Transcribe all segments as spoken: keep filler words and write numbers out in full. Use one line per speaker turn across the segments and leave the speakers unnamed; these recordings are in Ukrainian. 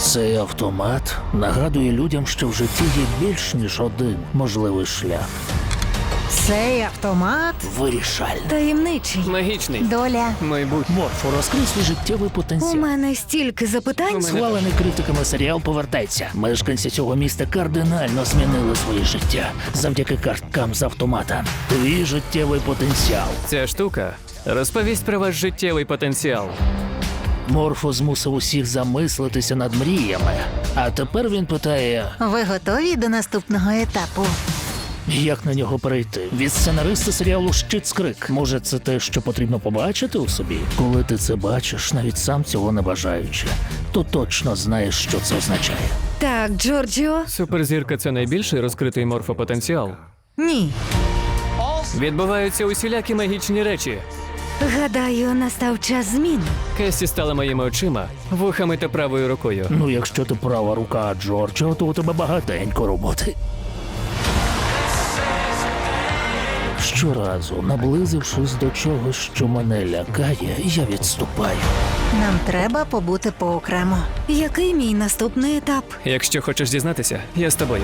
Цей автомат нагадує людям, що в житті є більш ніж один можливий шлях.
Цей автомат
Вирішальний.
таємничий.
Магічний.
Доля.
Майбутнє.
Морфо, розкрий свій життєвий
У
потенціал.
мене стільки запитань.
Схвалений критиками серіал повертається. Мешканці цього міста кардинально змінили своє життя завдяки карткам з автомата. Твій життєвий потенціал.
Ця штука розповість про ваш життєвий потенціал.
Морфо змусив усіх замислитися над мріями. А тепер він питає,
Ви готові до наступного етапу?
як на нього перейти. Від сценариста серіалу «Щит-скрик». Може, це те, що потрібно побачити у собі? Коли ти це бачиш, навіть сам цього не бажаючи, то точно знаєш, що це означає.
Так, Джорджіо?
Суперзірка – це найбільший розкритий морфопотенціал.
Ні.
Відбуваються усілякі магічні речі.
Гадаю, настав час змін.
Кесі стала моїми очима, вухами та правою рукою.
Ну, якщо ти права рука Джорджа, то у тебе багатенько роботи. Щоразу, наблизившись до чогось, що мене лякає, я відступаю.
Нам треба побути поокремо. Який мій наступний етап?
Якщо хочеш дізнатися, я з тобою.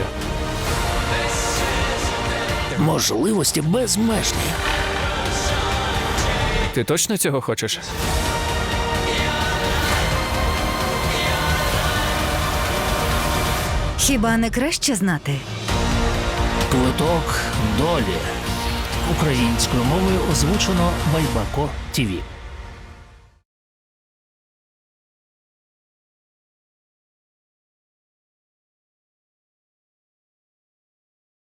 Можливості безмежні.
Ти точно цього хочеш?
Хіба не краще знати?
Квиток долі. Українською мовою озвучено Байбако ТІВІ.